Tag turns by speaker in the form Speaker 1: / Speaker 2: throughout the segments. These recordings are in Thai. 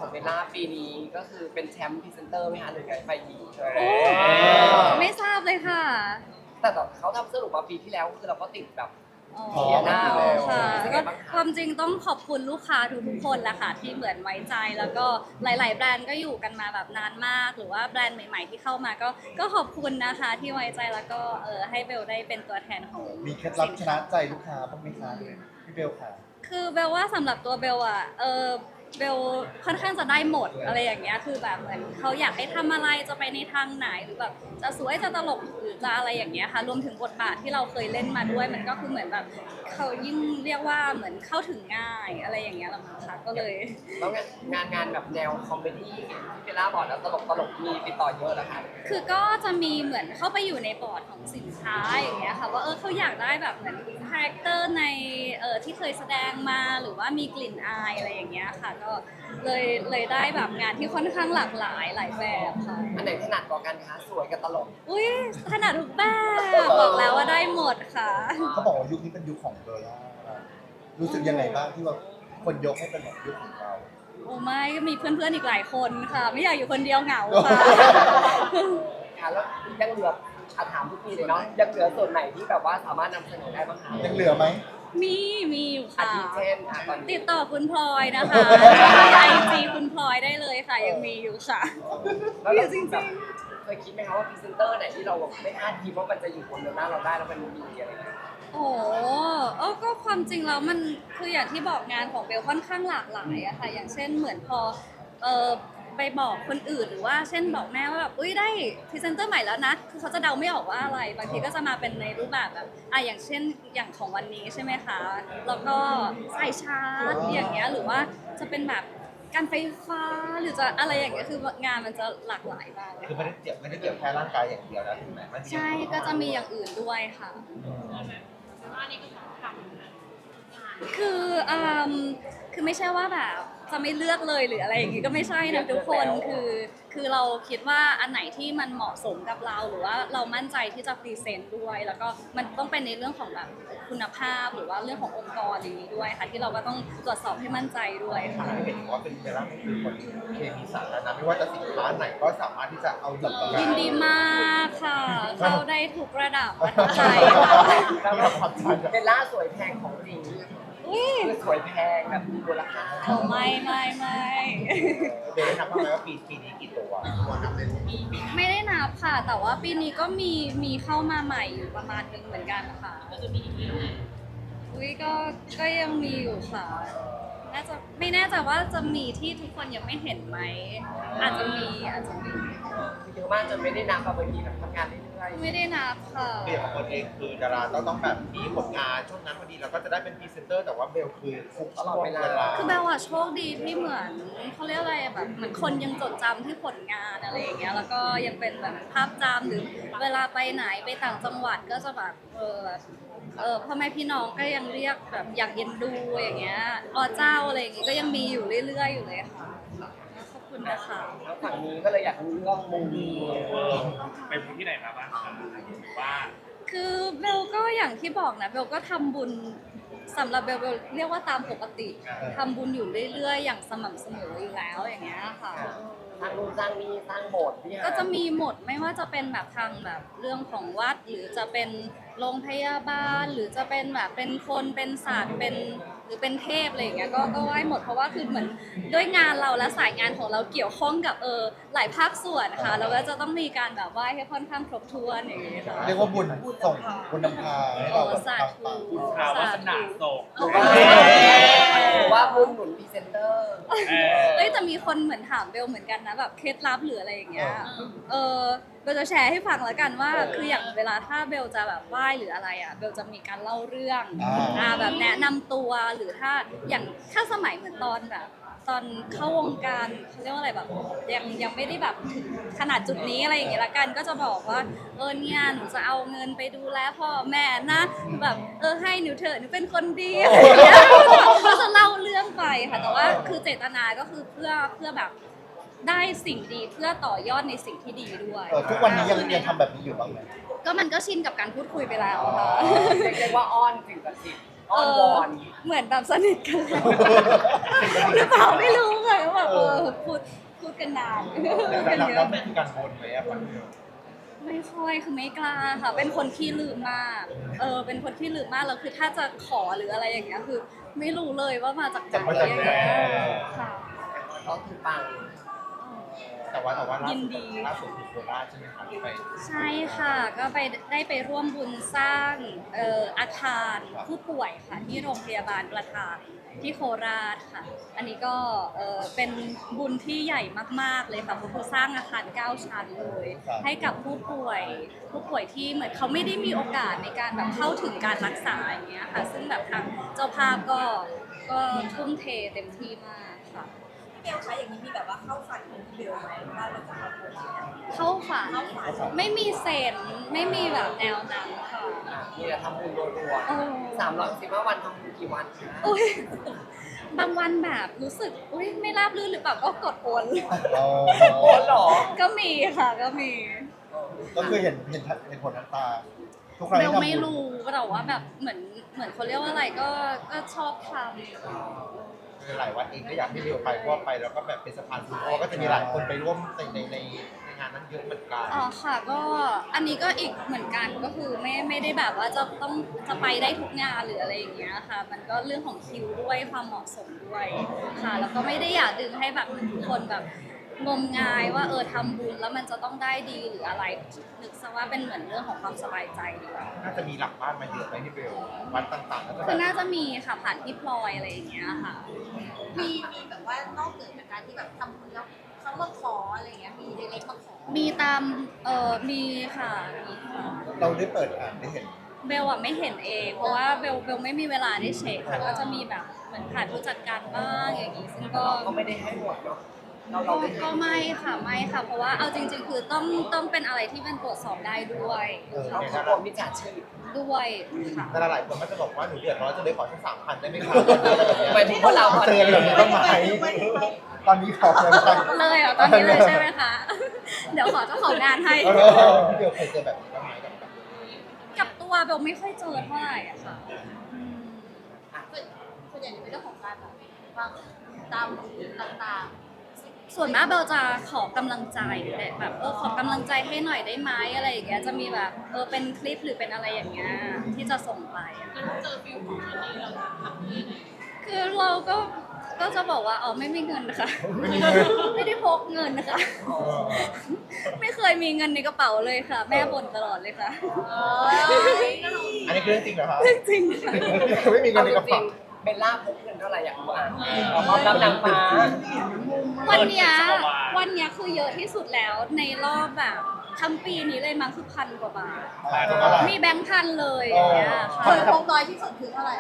Speaker 1: เบลล่าปีนี้ก็คือเป็นแชมป์พรีเซนเตอร์ไหมคะหรือไงไฟหญิง
Speaker 2: โอ้ไม่ทราบเลยค่ะ
Speaker 1: แต่เขาทำสรุปมาปีที่แล้วคือเราก็ติดแบบ
Speaker 2: อ๋อ
Speaker 1: เสียหน้าแล้ว
Speaker 2: ค่ะ
Speaker 1: เป็นไง
Speaker 2: ก็
Speaker 1: บ้างคะ
Speaker 2: ความจริงต้องขอบคุณลูกค้าทุกๆคนแหละค่ะที่เหมือนไว้ใจแล้วก็หลาย ๆ แบรนด์ก็อยู่กันมาแบบนานมาก หรือว่าแบรนด์ใหม่ ๆ ที่เข้ามาก็ขอบคุณนะคะที่ไว้ใจแล้วก็ให้เบลได้เป็นตัวแทนของ
Speaker 3: มีเคล็ดลับชนะใจลูกค้าบ้างไหมคะพี่เบลค่ะ
Speaker 2: คือเบลว่าสำหรับตัวเบลอะเบลค่อนข้างจะได้หมดอะไรอย่างเงี้ยคือแบบเหมือนเขาอยากให้ทำอะไรจะไปในทางไหนหรือแบบจะสวยจะตลกหรือจะอะไรอย่างเงี้ยค่ะรวมถึงบทบาทที่เราเคยเล่นมาด้วยมันก็คือเหมือนแบบเขายิ่งเรียกว่าเหมือนเข้าถึงง่ายอะไรอย่างเงี้ยละมั้งคะก็เลย
Speaker 1: แล้วงานแบบแนวคอมเมดี้ที่เบลล่าบอกแล้วตลกมีติดต่อเยอะแล้วค่ะ
Speaker 2: คือก็จะมีเหมือนเข้าไปอยู่ในบอร์ดของสินค้าอย่างเงี้ยค่ะว่าเขาอยากได้แบบเหมือนคาแรคเตอร์ในที่เคยแสดงมาหรือว่ามีกลิ่นอายอะไรอย่างเงี้ยค่ะก็เลยได้แบบงานที่ค่อนข้างหลากหลายหลายแบบค่ะ
Speaker 1: อันไหนถนัดกว่ากันคะสวยกับตลก
Speaker 2: อุ้ยถนัดทุกแบบบอกแล้วว่าได้หมดค่ะ
Speaker 3: เขาบอกว่ายุคนี้เป็นยุคของเบลล่ารู้สึกยังไงบ้างที่ว่าคนยกให้เป็นแบบยุคของเรา
Speaker 2: โอ้ไม่ก็มีเพื่อนๆอีกหลายคนค่ะ ไม่อยากอยู่คนเดียวเหงาค่ะ
Speaker 1: ค่ะแล้วยังเหลือถามทุกทีเลยเนาะยังเหลือส่วนไหนที่แบบว่าสามารถนำเสนอได้บ้างคะ
Speaker 3: ยังเหลือไหม
Speaker 2: มีอยู่
Speaker 1: อา
Speaker 2: ค่ะ
Speaker 1: ทิเช่นตอน
Speaker 2: ติ
Speaker 1: นี้
Speaker 2: ดต่อคุณพลอยนะคะไอจีคุณพลอยได้เลยค่ะ ยังมีอยู่ค่ะ
Speaker 1: แล้ว
Speaker 2: มี
Speaker 1: เรา
Speaker 2: จริง
Speaker 1: แบบเคยคิดไหมคะว่าพรีเซนเตอร์ไหนที่เราไม่คาดคิดว่ามันจะอยู่บนเดือนหน้าเราได้แล้วมันมีอะไรอย่างเงี้ย
Speaker 2: ๆโอ้ก็ความจริงแล้วมันคืออย่างที่บอกงานของเบลค่อนข้างหลากหลายอะค่ะ อย่างเช่นเหมือนพอเออไปบอกคนอื่นหรือว่าเช่นบอกแม่ว่าแบบอุ้ยได้พรีเซนเตอร์ใหม่แล้วนะคือเขาจะเดาไม่ออกว่าอะไรบางทีก็จะมาเป็นในรูปแบบอย่างเช่นอย่างของวันนี้ใช่ไหมคะแล้วก็สายชาร์จอย่างเงี้ยหรือว่าจะเป็นแบบการไฟฟ้าหรือจะอะไรอย่างเงี้ยคืองานมันจะหลากหลายมากเลย
Speaker 3: คือไม่ได้เกี่ยวแค่ร่างกายอย่างเดียวนะถูกไหมมัน
Speaker 2: ใช่ก็จะมีอย่างอื่นด้วยค่ะ คือคือไม่ใช่ว่าแบบจะไม่เลือกเลยหรืออะไรอย่างงี้ก็ไม่ใช่นะทุกคนคือเราคิดว่าอันไหนที่มันเหมาะสมกับเราหรือว่าเรามั่นใจที่จะพรีเซนต์ด้วย แล้วก็มันต้องเป็นในเรื่องของแบบคุณภาพหรือว่าเรื่องขององค์กรอย่างนี้ด้วยค่ะที่เราก็ต้องตรวจสอบให้มั่นใจด้วยค่ะ
Speaker 3: เห็นว่าเป็นเบลล่าเป็นคนเคมีสาธารณะไม่ว่าจะสินค้าไหนก็สามารถที่จะเอาหยิบมา
Speaker 2: ยินดีมากค่ะ เข้าได้ทุกระดับประทับใจค่ะ
Speaker 1: แล้วแบบเบลล่าสวยแพงของจริง
Speaker 2: อุ้ย
Speaker 1: คือสวยแพงแบบมีมูลค่า
Speaker 2: ไม่
Speaker 3: เบลนับว่าไหมว่าปีนี้กี่ตัวนับเป็น
Speaker 2: ไม่ได้นับค่ะ แต่ว่าปีนี้ก็มีเข้ามาใหม่อยู่ประมาณนึงเหมือนกันค่ะอุ้ยก็ยังมีอยู่ค่ะน่าจะไม่แน่ใจว่าจะมีที่ทุกคนยังไม่เห็นไหมอาจจะมี
Speaker 1: เยอะมากจนไม่ได้นับแบบบางทีแบบทำงานเรื่อย
Speaker 2: ไม่ได้นับค่ะ
Speaker 3: เบลของคนเองคือดาราต้องแบบมีผลงานช่วงนั้นพอดีเราก็จะได้เป็นพรีเซนเตอร์แต่ว่าเบลคือทุกช่วงเวลา
Speaker 2: คือแบลว่าโชคดีที่เหมือนเขาเรียกอะไรอะแบบเหมือนคนยังจดจำที่ผลงานอะไรอย่างเงี้ยแล้วก็ยังเป็นแบบภาพจำหรือเวลาไปไหนไปต่างจังหวัดก็จะแบบพ่อแม่พี่น้องก็ยังเรียกแบบอยากเย็นดูอย่างเงี้ยเจ้าอะไรอย่างเงี้ยก็ยังมีอยู่เรื่อยๆอยู่เลยค่ะขอบคุณนะคะ
Speaker 1: ๆแล้วฝั่งนี้ก็เลยอยากรู้เรื่องมุม
Speaker 4: ไปพื้นที่ไหนมาบ้างคะหรือว่า
Speaker 2: คือเบลก็อย่างที่บอกนะเบลก็ทำบุญสำหรับเบลเรียกว่าตามปกติทำบุญอยู่เรื่อยๆ อย่างสม่ำเสมออยู่แล้วอย่างเงี้ยค่ะ
Speaker 1: สร้างนู่นสร้างนี่สร้างโบสถ์ที่
Speaker 2: ก็จะมีหมดไม่ว่าจะเป็นแบบทางแบบเรื่องของวัด หรือจะเป็นโรงพยาบาล หรือจะเป็นแบบเป็นคนเป็นศาสตร์เป็นหรือเป็นเทพอะไรอย่างเงี้ยก็ไหว้หมดเพราะว่าคือเหมือนด้วยงานเราและสายงานของเราเกี่ยวข้องกับหลายภาคส่วนค่ะเราก็จะต้องมีการแบบไหว้ให้ค่อนข้างครบถ้วนอย่างเงี้ยค่ะ
Speaker 3: เรียกว่าบุญส่งบุญนำพาให้เราแบบ
Speaker 2: สา
Speaker 3: ปัง
Speaker 2: ธุ
Speaker 4: ข่าววาสนาส่ง
Speaker 1: หรือว่าบุญหนุนพรีเซนเตอร์
Speaker 2: เอ้ยแต่มีคนเหมือนถามเบลเหมือนกันนะแบบเคล็ดลับหรืออะไรอย่างเงี้ยเบลจะแชร์ให้ฟังแล้วกันว่าคืออย่างเวลาถ้าเบลจะแบบไหว้หรืออะไรอ่ะเบลจะมีการเล่าเรื่องแบบแนะนำตัวหรือถ้าสมัยเหมือนตอนแบบตอนเข้าวงการเขาเรียกว่าอะไรแบบยังไม่ได้แบบถึงขนาดจุดนี้อะไรอย่างเงี้ยละกันก็จะบอกว่าเนี่ยหนูจะเอาเงินไปดูแลพ่อแม่นะแบบให้หนูเถอะหนูเป็นคนดีอะไรอย่างเงี้ยก็จะเล่าเรื่องไปค่ะแต่ว่าคือเจตนาก็คือเพื่อแบบได้สิ่งดีเพื่อต่อยอดในสิ่งที่ดีด้วย
Speaker 3: ทุกวันนี้ยังทำแบบนี้อยู่บ้างไหม
Speaker 2: ก็มันก็ชินกับการพูดคุยไปแล้วค่ะ
Speaker 1: เรียกว่าอ้อนสิ่งศักดิ์สิทธิ์อ้อนวอน
Speaker 2: เหมือนแบบสนิทกันแล้วหรือเปล่าไม่รู้ค่ะก็แบบพูกันนาน
Speaker 3: แล้วมันคือการบนไหมอะครับเบล
Speaker 2: ไม่ค่อยคือไม่กล้าค่ะ เป็นคนขี้ลืมมากเป็นคนขี้ลืมมากแล้วคือถ้าจะขอหรืออะไรอย่างเงี้ยคือ ไม่รู้เลยว่ามาจากไหนอย่างเงี้ยค่ะ
Speaker 1: ก็คือปัง
Speaker 3: แต่ว่าล่า
Speaker 2: ยิ
Speaker 3: สุ
Speaker 2: น
Speaker 3: ด
Speaker 2: ดี
Speaker 3: คือโคราชใช่ไหมคะที่ไป
Speaker 2: ใช่ค่ะ ก็ได้ไปร่วมบุญสร้างอาคารผู้ป่วยค่ะที่โรงพยาบาลประทานที่โคราชค่ะ อันนี้ก็เป็นบุญที่ใหญ่มากๆเลยค่ะเพราะเขาสร้างอาคาร9ชั้นเลยให้กับผู้ป่วยที่เหมือนเขาไม่ได้มีโอกาสในการแบบเข้าถึงการรักษาอย่างเงี้ยค่ะ ซึ่งแบบทางเจ้าภาพก็ทุ่มเทเต็มที่มากค่ะ
Speaker 5: เบลคะอย่างนี้มีแบบว่าเข้าฝันของเบลไหมว่าเราจะทำบุญเนี่ย
Speaker 2: เข้าฝันไม่มีเซนไม่มีแบบแนวนั้นค่ะ
Speaker 1: มีแต่ทำบุญรัว
Speaker 2: เออ
Speaker 1: ๆ365 วันทำบุญกี่วันคะ
Speaker 2: อุ้ยบางวันแบบรู้สึกอุ้ยไม่ราบรื่นหรือเปล่าก็กดโอน
Speaker 1: โอนเหรอ
Speaker 2: ก็มีค่ะก็มี
Speaker 3: ก็คือเห็นผลน้ำตาทุกครั้ง
Speaker 2: เบ
Speaker 3: ที่
Speaker 2: ล
Speaker 3: ทำบุญ
Speaker 2: ไม่รู้แต่ว่าแบบเหมือนเขาเรียกว่าอะไรก็ชอบท
Speaker 3: หลายวัดเองก็อยากให้เบลไปเพราะว่าไปแล้วก็แบบเป็นสะพานบุญเพราะว่าก็จะมีหลายคนไปร่วมในงานนั้นเยอะเหมือนกัน
Speaker 2: ำอ๋อค่ะก็อันนี้ก็อีกเหมือนกันก็คือไม่ได้แบบว่าจะไปได้ทุกงานหรืออะไรอย่างเงี้ยค่ะ มันก็เรื่องของคิวด้วยความเหมาะสมด้วยค่ะ แล้วก็ไม่ได้อยากดึงให้แบบทุกคนแบบงมงายว่าทำบุญแล้วมันจะต้องได้ดีหรืออะไรนึกซะว่าเป็นเหมือนเรื่องของความสบายใจดีกว่า
Speaker 3: น่าจะมีหลักบ้านมาเยอะไหมที่เบลวัดต่างๆก็จะแบ
Speaker 2: คือบ น่าจะมีค่ะผ่านพี่พลอยอะไรอย่างเงี้ยค่ะ
Speaker 5: มีแบบว่านอกเหนือจากการที่แบบทำบุญแล้วเขามาขออะไรอย่างเงี้ยมีเล็กๆมาขอ
Speaker 2: มีตามมีค่ะมีค่ะ
Speaker 3: เราได้เปิดอ่านได้เห็น
Speaker 2: เบลอะไม่เห็นเองเพราะว่าเบลไม่มีเวลาได้เช็คค่ะก็จะมีแบบเหมือนผ่านผู้จัดการบ้างอย่างงี้ซึ่งก็
Speaker 1: ก็ไม่ได้ให้หมดเนาะเราได้ให้
Speaker 2: ก็ไม่ค่ะเพราะว่าเอาจริง ๆ คือต้องเป็นอะไรที่มันตรวจสอบได้ด้วย
Speaker 1: เราขอกลัวมิจฉาชีพ
Speaker 2: ด้วยค่ะ
Speaker 3: แต่หลายคนก็จะบอกว่าหนูเดือดร้อนจะเลยขอแค่3,000ได้ไหมคะ
Speaker 1: หมายถึงพวกเรา
Speaker 3: เจอแบบนี้บ้างไหมตอนนี้ขอเลยไหม
Speaker 2: เลยเหรอตอนนี้เลยใช่ไหมคะ เดี๋ยวขอเจ้าของงานให้
Speaker 3: พี่เบลเคยเจอแบบนี้บ้างไหมกับ
Speaker 2: กับตัวเบลไม่ค่อยเจอเท่าไหร่อะค่ะอืม
Speaker 5: ส่วนใหญ่จะเป็นเรื่องของการแบบว่าตามต่าง
Speaker 2: ส่วนมากเบลจะขอกำลังใจแบบขอกำลังใจให้หน่อยได้ไหมอะไรอย่างเงี้ยจะมีแบบเป็นคลิปหรือเป็นอะไรอย่างเงี้ยที่จะส่งไปอะคือเราก็จะบอกว่าไม่มีเงินนะคะ ไม่ได้พกเงินนะคะ ไม่เคยมีเงินในกระเป๋าเลยค่ะ แม่บ่นตลอดเลยค่ะ
Speaker 3: อันนี้คือเรื่องจริงเหรอครับ
Speaker 2: เรื่องจริงค่ะ
Speaker 3: ไม่มีเงิ
Speaker 1: เอา
Speaker 3: นใน
Speaker 1: จ
Speaker 3: กระ
Speaker 1: ริ
Speaker 3: เป๋าง
Speaker 1: ๆเบลล่าพกเงินเท่าไหร่อยากรู้อ่ะความรับนางฟ้า
Speaker 2: วันเนี้ยคือเยอะที่สุดแล้วในรอบแบบทั้งปีนี้เลยมั้งคือ1,000 กว่าบาท มีแบงค์พันเลยอย่างเงี้ย
Speaker 5: ๆ
Speaker 2: ค่ะ
Speaker 5: เคยพกน้อยที่สุดคือเท่าไหร่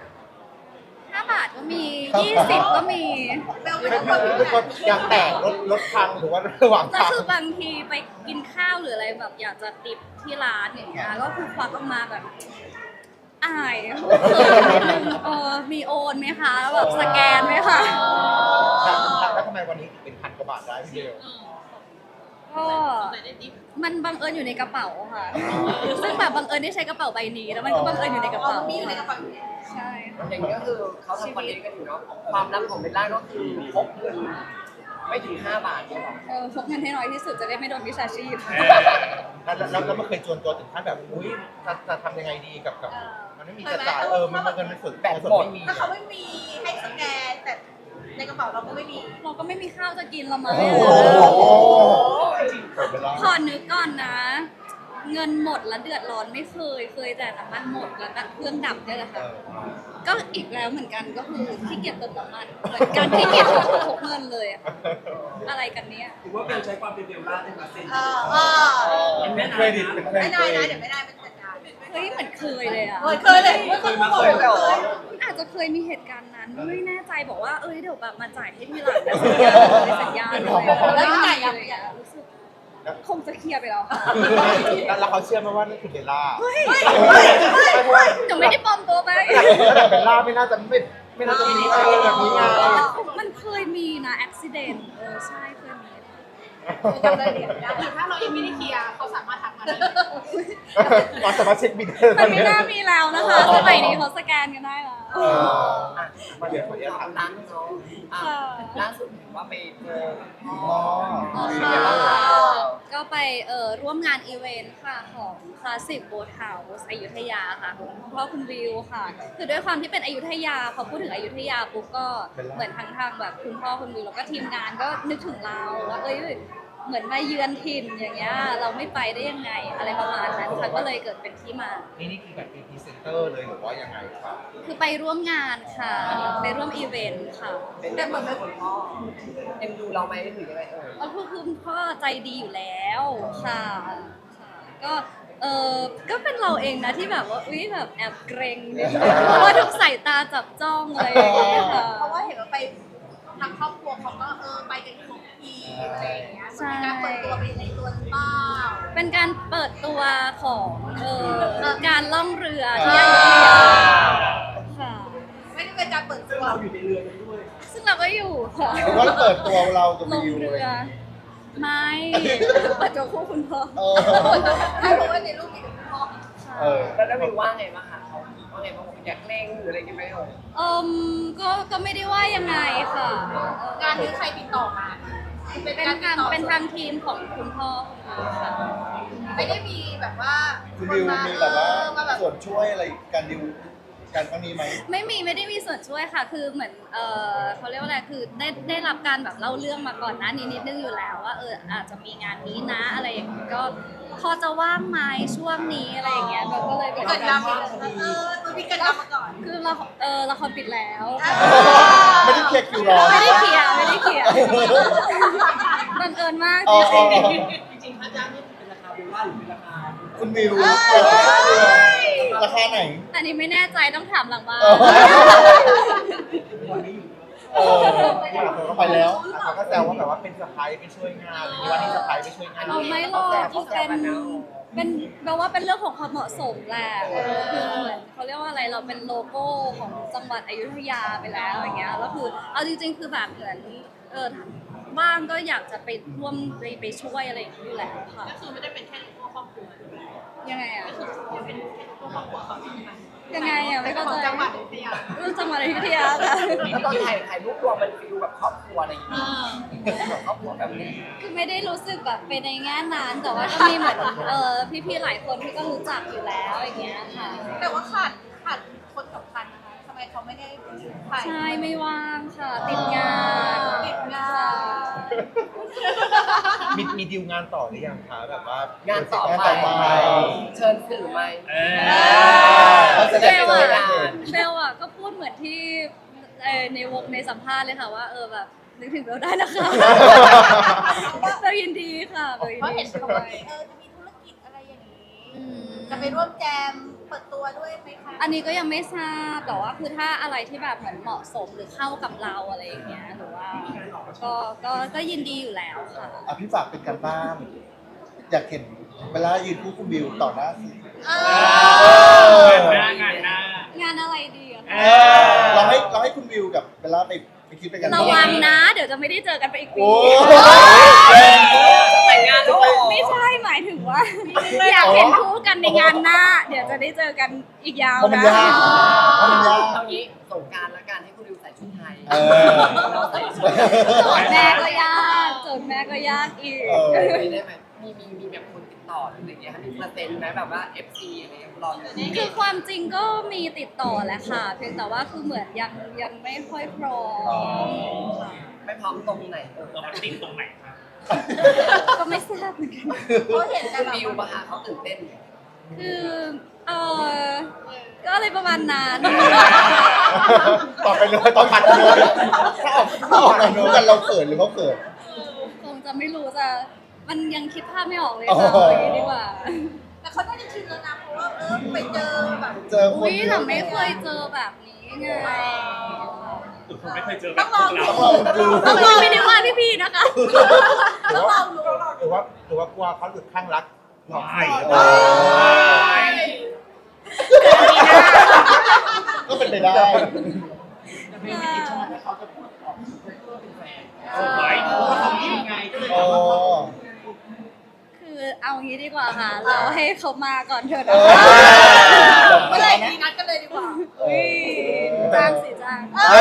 Speaker 2: 5 บาทก็มี 20 ก็มี
Speaker 5: เบลไม่
Speaker 3: ไม่
Speaker 5: พก
Speaker 3: ไม่
Speaker 5: แบบ
Speaker 3: ไม่
Speaker 5: นี้
Speaker 3: ก็อยากแตกรถพังหรือว่าระหว่าง
Speaker 2: แล้ว
Speaker 3: ทาง
Speaker 2: คือบางทีไปกินข้าวหรืออะไรแบบอยากจะติปที่ร้านอย่างเงี้ยก็คือควักออกมาแบบอายมีโอนไหมคะแล้วแบบสแกนไหมคะ
Speaker 3: แล้วทำไมวันนี้ถึงเป็น1,000 กว่าบาทได้พี่เบล
Speaker 2: ก็มันบังเอิญอยู่ในกระเป๋าค่ะ ซึ่งแบบบังเอิญได้ใช้กระเป๋าใบนี้แล้วมันก็บังเอิญอยู่ในกระ
Speaker 5: อ๋อ
Speaker 2: เป๋า
Speaker 5: มีอยู่ในกระเป๋าอยู่แล้ว
Speaker 2: ใช่
Speaker 1: อย่างนี้ก็คือเขาทำคอนเทนต์กันอยู่เนาะความลับของเบลล่าก็คือพกเงินไม่ถึง5 บาทเนี่ยหรอ
Speaker 2: พกเงินให้น้อยที่สุดจะได้ไม่โดนวิชาชีพ
Speaker 3: แล้วมันเคยจวนตัวถึงขั้นแบบอุ้ยจะทำยังไงดีกับมันไม่มีจะจ่ายมันเงินไม่สุดแต่ส่วนไม่มี
Speaker 5: ถ้าเขาไม่มีให้สแกนแต่ในกระเป๋าเราก็ไม่มี
Speaker 2: เราก็ไม่มีข้าวจะกินเรามา
Speaker 3: โอ้
Speaker 2: เลย
Speaker 3: โหเปิดไปแล้ว
Speaker 2: ขอนึกก่อนนะ เงินหมดแล้วเดือดร้อนไม่เคยแต่น้ำมันหมดแล้วก็เครื่องดับเนี่ยแหละค่ะ ก็อีกแล้วเหมือนกันก็คือขี้เกียจเติมน้ำมันเหมือนกันขี้เกียจพกเงินเลยอะอะไรกันเนี่ย
Speaker 6: ถือว่าเบลใช้ความเป็นเบลล่าได้มาเซ็น
Speaker 3: เป็นเครดิตเป็นเคร
Speaker 5: ไม่
Speaker 3: ดิต
Speaker 5: ได้นะเดี๋ยวไม่ได้เป็นจัดการ
Speaker 2: เฮ้ยเหมือนเคยเลยอะ
Speaker 5: เคยเลยไม่เคยมาก่อนเลย
Speaker 2: อาจจะเคยมีเหตุการณ์นั้นไม่แน่ใจบอกว่าเดี๋ยวแบบมาจ่ายให้ทีหลังนะสัญญาเลยแล้วจ่ายยังไงรู้สึกคงจะเคลียร์ไปแล้วค่ะ
Speaker 3: แล้วเขาเชื่อไหมว่านั่นคือเบลล่า
Speaker 2: หนูไม่ได้ปลอมตัวไป
Speaker 3: แต่เบลล่าไม่น่าจะไม่น่าจะมีแบบนี้ไง
Speaker 2: มันเคยมีนะอุบิเหตุใช่เคยมี
Speaker 5: จำรายละเอียดไม่ได้
Speaker 7: หรือถ้าเรายังไม่ได้เคลียร์เขาสามารถทักมาได้
Speaker 3: เราสามารถเช็คบินได้
Speaker 2: มันไม่น่ามีแล้วนะคะสมัยนี้เขาสแกนกันได้แล้ว
Speaker 1: อ่ะมาเดี๋ยวขออนุญาตถามร้านเนาะอ่ะ
Speaker 2: ค่ะ
Speaker 1: ล่าสุดเห็นว่าไปเจอ
Speaker 3: อ๋อ
Speaker 2: ค่ะก็ไปร่วมงานอีเวนต์ค่ะของคลาสสิกโบสถ์เฮาส์อยุธยาค่ะของคุณพ่อคุณวิวค่ะ คือด้วยความที่เป็นอยุธยาพอพูดถึงอยุธยาปุ๊บก็เหมือนทางแบบคุณพ่อคุณวิวแล้วก็ทีมงานก็นึกถึงเราว่าเหมือนมาเยือนถิ่นอย่างเงี้ยเราไม่ไปได้ยังไงอะไรประมาณนั้นค่ะก็เลยเกิดเป็นที่มา
Speaker 3: นี่คือแบบเป็นพรีเซนเตอร์เลยหรือว่ายังไงครับ
Speaker 2: คือไปร่วมงานค่ะ ไปร่วมอีเวนต์ค่ะ
Speaker 1: เป็นแต่เหมือนเป็นคนพ่อเอ็มดูเราไหมหรือยังไง
Speaker 2: ก็คือคุณพ่อใจดีอยู่แล้วค่ะก็ก็เป็นเราเองนะที่แบบว่าอุ๊ยแบบแอบเกรงนิดนึงเพราะว่าทุกสายตาจับจ้องอะไรอย่างเงี้ยค่ะ
Speaker 5: เพราะว่าเห็นว่าไปทางครอบครัวเขาก็ไปกันครบทีมอะไรอย่างเงี้ยมันมีการเปิดตัวไปในตัวหรือเปล่า
Speaker 2: เป็นการเปิดตัวของการล่องเรือที่อยุธยาค่ะ
Speaker 5: ไม่ได้เป็นการเปิดตัว
Speaker 6: เราอยู่ในเรือนั้นด้วย
Speaker 2: ซึ่งเราก็อยู่ค่ะ
Speaker 3: หรือว่าเปิดตัวเรากับ
Speaker 2: ลง
Speaker 3: วิว
Speaker 2: เรือไม่เปิดตัวคู่คุณพ่อ
Speaker 5: เพราะว่าในรูปมีแต่คุณพ่อ
Speaker 1: แล้ววิวว่าไงบ้างคะเขาว่าไงบ้างอยากเล่งหรืออะไรกันไหม
Speaker 2: ก็ไม่ได้ว่ายังไงค่ะ
Speaker 5: งานนี้ใครติดต่อมา
Speaker 2: เป็นทางทีมของคุณพ่อค่ะ
Speaker 5: ไม่ได้มีแบบว่า
Speaker 3: คุณวิวมีแบบว่า
Speaker 5: มาแบบ
Speaker 3: ส่วนช่วยอะไรการดิวการครั้งนี้ไหม
Speaker 2: ไม่ได้มีส่วนช่วยค่ะ คือเหมือนเขาเรียกว่าอะไรคือได้รับการแบบเล่าเรื่องมาก่อนหน้านี้นิดนึงอยู่แล้วว่าอาจจะมีงานนี้นะอะไรอย่างเงี้ยก็พอจะว่างไหมช่วงนี้อะไรอย่างเงี้ยเราก็เลย
Speaker 5: เกิดดราม่าตัวมีกันดราม่าก่อน
Speaker 2: คือละครปิดแล้ว
Speaker 3: ไม่ได้เคลียร์คิวรอ
Speaker 2: ไม่ได้เคลียร์บังเอิญมาก
Speaker 3: อ๋อ
Speaker 2: จริง
Speaker 6: จริงๆค่าจ้างนี่เป็นราคาเบลล่าหรือเป็นราคา
Speaker 3: คุณวิวราคาไหน
Speaker 2: ๆอันนี้ไม่แน่ใจต้องถามหลังบ้าน
Speaker 6: วันนี้อยู่
Speaker 3: เขาไปแล้วเขาก็แซวว่าแบบว่าเป็นสะพ้ายไปช่วยงานอะไรอย่างนี้วันนี้สะพ้ายไปช่วยงาน
Speaker 2: เราไม่หรอกที่เป็นแปลว่าเป็นเรื่องของความเหมาะสมแหละคือเหมือนเขาเรียกว่าอะไรเราเป็นโลโก้ของจังหวัดอยุธยาไปแล้วอย่างเงี้ยแล้วคือเอาจริงๆคือแบบเหมือนบ้างก็อยากจะไปร่วมไปช่วยอะไรอย่างเงี้ยอยู่แล้วค่ะ
Speaker 7: ก็คือไม่ได้เป็นแค่ตัวครอบครัว
Speaker 2: ยังไงอ่ะ
Speaker 7: เป็นตัวครอบครัวเขาใช่ไหม
Speaker 2: ยังไงอ่ะไม่เข้าใจ
Speaker 7: จังหวัดอยุธยา
Speaker 2: เรื่องจังหวัดอยุธยาค่ะ
Speaker 1: แล้วตอนถ่ายรูปรวมมันฟิลแบบครอบครัวอะไรอย่างเงี้ยแบบครอบครัวแบบนี้
Speaker 2: คือไม่ได้รู้สึกแบบไปในแง่นั้นแต่ว่าก็มีเหมือนพี่ๆหลายคนที่ก็รู้จักอยู่แล้วอย่างเงี้ยค่ะ
Speaker 5: แต่ว่าขาดคนสำคัญนะคะทำไมเขาไม่ได้ถ่าย
Speaker 2: ใช่ไม่ว่างค่ะ ติดงาน
Speaker 5: ติดงาน
Speaker 3: มีดิวงานต่อหรือยังคะแบบว่าง
Speaker 1: านต่อไปเชิญสื่อไหม
Speaker 3: เราจะ
Speaker 2: เบ
Speaker 3: ได้
Speaker 2: ล
Speaker 3: เจอ
Speaker 2: อะ
Speaker 3: กัน
Speaker 2: เบลอะก็พูดเหมือนที่ในสัมภาษณ์เลยค่ะว่าแบบนึกถึงเบลได้นะคะเบลยินดีค่ะเบลยิน
Speaker 5: เพราะ
Speaker 2: ดี
Speaker 5: เห็น
Speaker 2: ช่
Speaker 5: เขา
Speaker 2: วย
Speaker 5: จะมีธุรกิจอะไรอย่างนี้
Speaker 2: อืม
Speaker 5: จะไปร่วมแจมเปิดตัวด้วยไหมคะ
Speaker 2: อันนี้ก็ยังไม่ทราบแต่ว่าคือถ้าอะไรที่แบบเหมือนเหมาะสมหรือเข้ากับเราอะไรอย่างเงี้ยหรือว่าก็ยินดีอยู่แล้วค่ะ
Speaker 3: พี่ฝากเป็นการบ้าน อยากเห็นเวลายืนคู่คุณวิวต่อหน้าสื่อ
Speaker 4: งานหน้า
Speaker 2: งานอะไรดีอะคะ
Speaker 3: เราให้คุณวิวกับเวลาไปคิดเป็นกัน
Speaker 2: ระวังนะ เดี๋ยวจะไม่ได้เจอกันไปอีกปี
Speaker 3: โอ้
Speaker 1: แต่งงานแล้วเหรอ
Speaker 2: ไม่ใช่หมายถึงว่า อยากเห็นคู่กันในงานหน้า เดี๋ยวจะได้เจอกันอีกยาว
Speaker 3: เพราะมัน
Speaker 2: นะ
Speaker 3: ยากเพราะมันยาก
Speaker 1: เอางี้สงกรารละกันให้คุณดิวใส่ชุดไทย
Speaker 3: เออ
Speaker 1: เราใส่ชุด
Speaker 2: โจทย์แม่ก็ยากโจทย์แม่ก็ยากอีก
Speaker 3: เออ
Speaker 1: ได้ไหมมีแบบคนติดต่อหรืออะไรอย่างเงี้ยมีเปอร์เซ็นต์ไหมแบบว่า FC อะไรอย่างเงี้ยรออยู่นี่
Speaker 2: คือความจริงก็มีติดต่อแหละค่ะ เพียงแต่ว่าคือเหมือนยังไม่ค่อยพร้อมค่ะ
Speaker 1: ไม่พร้อมตรงไหน
Speaker 4: เรามาติดตรงไหนครับ
Speaker 2: ก็ไม่ทราบเหมือนกัน
Speaker 5: เพราะเห็นแต่
Speaker 1: คุณ
Speaker 5: แบบ
Speaker 1: ดิวมาหาเขาตื่นเต้น
Speaker 2: คือก็อะไรประมาณนั้น
Speaker 3: ต่อไปเลยต่อผัดเลยถ้าออกงานคู่กันเราเขินหรือเขาเขิน
Speaker 2: คงจะไม่รู้จะมันยังคิดภาพไม่ออกเลย
Speaker 3: อ๋อ
Speaker 2: ค่ะอย่างนี้ดีกว่า
Speaker 5: แต่เขาน่าจะชินแล้วนะเพราะว่าไปเจอแบบ
Speaker 3: เจอคน
Speaker 2: อุ้ย
Speaker 3: เย
Speaker 2: แต่
Speaker 3: อะ
Speaker 2: ไม่เคยเจอแบบนี้ไง
Speaker 4: ผมไม่เคยเจอแบ
Speaker 5: ต้อบ งล
Speaker 4: พ
Speaker 5: อ
Speaker 4: ว
Speaker 5: ง
Speaker 4: ก
Speaker 5: ดู
Speaker 4: เรา
Speaker 3: ต้องลองดู
Speaker 2: ไม่ได้ว่าพี่ๆนะคะ
Speaker 5: ต้องลองดู
Speaker 3: หรือว่ากลัวเขาหลุดข้างรักหลอก
Speaker 4: ไม่
Speaker 3: เออก็เป็นไปได้
Speaker 6: แต่เป็นวิธีชอบให้เขาจะพูดออกเพื่อเป็นแฟน
Speaker 4: สวย
Speaker 6: เพราะว่าเขามีไงก็เลย
Speaker 3: อ๋
Speaker 6: ถา
Speaker 3: อ
Speaker 6: มว่า
Speaker 2: เอางี้ดีกว่าค่ะ เราให้เขามาก่อนเถอะ
Speaker 3: เอ
Speaker 2: นะ
Speaker 3: อ
Speaker 5: ก็เลยมีนัดกันเลยดีกว่า
Speaker 2: อุ้ยจ้างสิจ้าง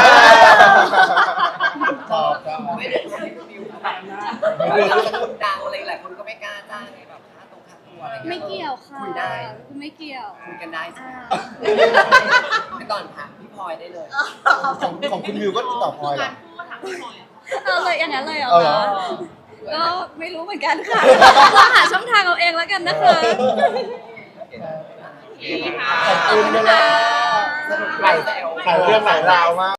Speaker 3: ชอบชอบ
Speaker 1: ไม่ได้วิวแบบเราจะคนดังอะไรหลายคนก็ไม่กล้าจ้างไงแบบค่าตัวอะไร
Speaker 2: ไม่เกี่ยวค่ะ
Speaker 1: คุยได้
Speaker 2: ไม่เกี่ยว
Speaker 1: คุยกันได้ใช่
Speaker 2: อ่า
Speaker 1: ไหมก่อนถามพี่พลอยได้เลย
Speaker 3: ของคุณวิวก็ติดต่อพลอยเหรอ
Speaker 7: พูดถามพี่หน่อย
Speaker 2: เอาเลยอย่างนั้นเลยเหรอ
Speaker 3: เอาเหรอ
Speaker 2: คะก็ไม่รู้เหมือนกันค่ะลองหาช่องทางเอาเองแล้วกันนะคะ
Speaker 3: ขอบคุณนะ
Speaker 1: สนุกหลายแซว
Speaker 3: หลายเรื่องหลายราวมาก